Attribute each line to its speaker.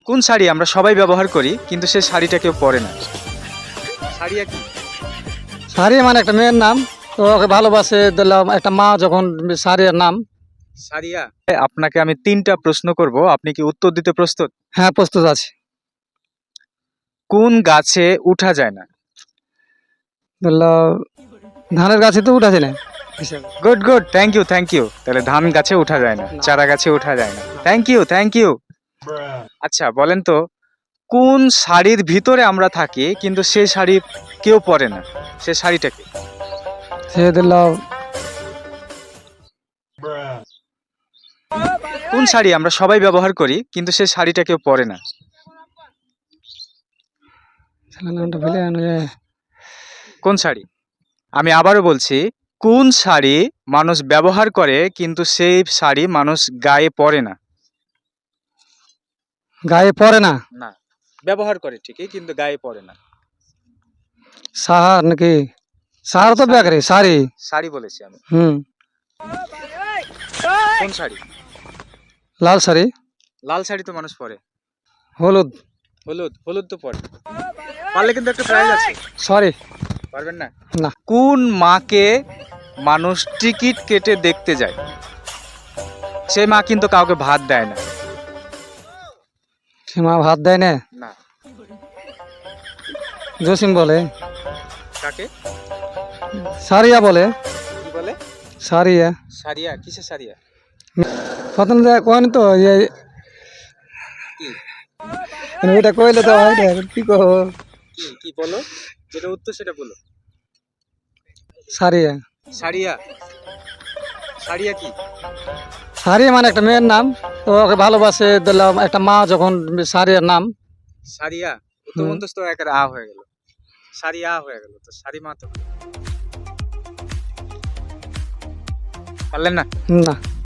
Speaker 1: কোন শাড়ি আমরা সবাই ব্যবহার করি কিন্তু সেই শাড়িটা কেউ পরে না? শাড়িয়া কি?
Speaker 2: সারিয়া মানে একটা মেয়ের নাম। তো ওকে ভালোবাসে দিলাম একটা মা যখন সারিয়ার নাম।
Speaker 1: শাড়িয়া। আপনাকে আমি 3টা প্রশ্ন করব, আপনি কি উত্তর দিতে প্রস্তুত?
Speaker 2: হ্যাঁ, প্রস্তুত আছে।
Speaker 1: কোন গাছে উঠা যায় না?
Speaker 2: ধরলাম ধানের গাছে তো উঠাছে না।
Speaker 1: Good good, thank you. তাহলে ধান গাছে উঠা যায় না, চারা গাছে উঠা যায় না। Thank you. আচ্ছা বলেন তো, কোন শাড়ির ভিতরে আমরা থাকি কিন্তু সেই শাড়ি কেউ পরে না? সে শাড়িটা কি?
Speaker 2: সে দিলাম
Speaker 1: কোন শাড়ি আমরা সবাই ব্যবহার করি কিন্তু সেই শাড়িটা কেউ পরে না?
Speaker 2: নামটা ভুলে গেলাম।
Speaker 1: কোন শাড়ি? আমি আবারও বলছি, কোন শাড়ি মানুষ ব্যবহার করে কিন্তু সেই শাড়ি মানুষ গায়ে পরে না?
Speaker 2: গায়ে পড়ে না।
Speaker 1: না, ব্যবহার করে ঠিকই কিন্তু গায়ে পরে না।
Speaker 2: সাহার নাকি? সাহার তো ব্যাগ রে শাড়ি।
Speaker 1: শাড়ি বলেছি আমি। কোন শাড়ি?
Speaker 2: লাল শাড়ি।
Speaker 1: লাল শাড়ি তো মানুষ পরে।
Speaker 2: হলুদ।
Speaker 1: হলুদ তো পরে। পারলে কিন্তু একটা প্রাইজ আছে।
Speaker 2: সরি।
Speaker 1: পারবেন না?
Speaker 2: না।
Speaker 1: কোন মাকে মানুষ টিকিট কেটে দেখতে যায়? সেই মা কিন্তু কাউকে ভাত দেয় না।
Speaker 2: সীমা ভাত দেয় না।
Speaker 1: না।
Speaker 2: জসিম বলে।
Speaker 1: কাকে?
Speaker 2: সারিয়া বলে।
Speaker 1: কি বলে?
Speaker 2: সারিয়া।
Speaker 1: সারিয়া? কিসের সারিয়া?
Speaker 2: প্রথম কয়নি তো
Speaker 1: কি
Speaker 2: ওইটা কইলে তো হয় না, কি কহ?
Speaker 1: কি বলো? যেটা উত্তর সেটা বলো।
Speaker 2: সারিয়া।
Speaker 1: সারিয়া? সারিয়া কি?
Speaker 2: সারিয়া মানে একটা মেয়ের নাম। তো ওকে ভালোবাসে দিলাম একটা মা যখন সারিয়ার নাম।
Speaker 1: সারিয়া? উত্তর মন্তস তো একের আ হয়ে গেল। সারিয়া হয়ে গেল, তো সারি মা তো। পারলেন না?
Speaker 2: না।